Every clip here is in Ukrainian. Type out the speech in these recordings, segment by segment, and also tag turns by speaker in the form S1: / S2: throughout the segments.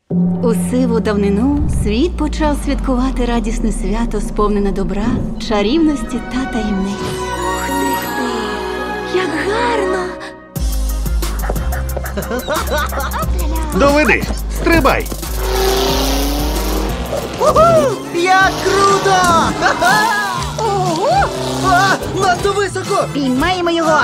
S1: У сиву давнину світ почав святкувати радісне свято, сповнене добра, чарівності та таємниць. Ух ти! Як гарно!
S2: Доведи! Стрибай!
S3: Уху! Як круто! Ого! А, надто високо!
S1: Піймаємо його!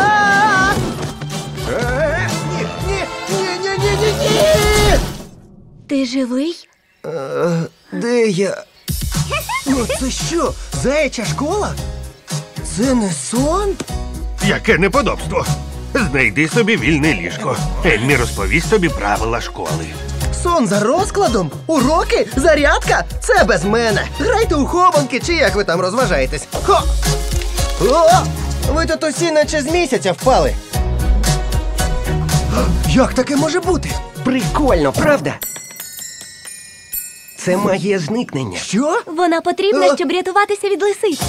S3: Ні!
S1: Ти живий?
S3: Де я? Це що, заяча школа? Це не сон?
S2: Яке неподобство! Знайди собі вільне ліжко. Ельмі розповість тобі правила школи.
S3: Сон за розкладом? Уроки? Зарядка? Це без мене. Грайте у хованки, чи як ви там розважаєтесь. Хо! О! Ви тут усі наче з місяця впали. Як таке може бути?
S4: Прикольно, правда? Це магія зникнення.
S3: Що?
S1: Вона потрібна, щоб рятуватися від лисиць.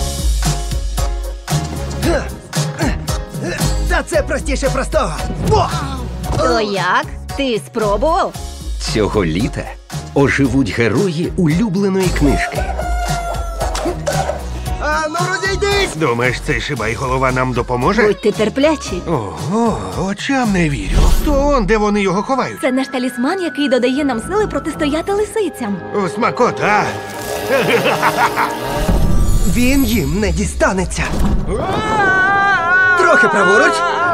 S3: Та це простіше простого. О!
S1: То як? Ти спробував?
S4: Цього літа оживуть герої улюбленої книжки.
S3: А ну розійдись!
S2: Думаєш, цей шибай-голова нам допоможе?
S1: Будьте терплячі.
S2: Ого, очам не вірю. То он, де вони його ховають?
S1: Це наш талісман, який додає нам сили протистояти лисицям.
S2: У смакота!
S3: Він їм не дістанеться. Трохи праворуч.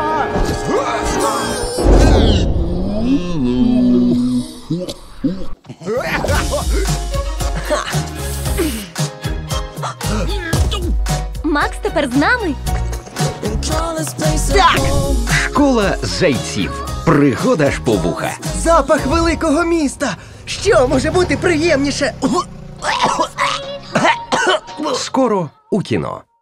S1: Макс тепер з нами.
S3: Так!
S4: Школа зайців. Пригода ж по вуха.
S3: Запах великого міста. Що може бути приємніше?
S4: Скоро у кіно.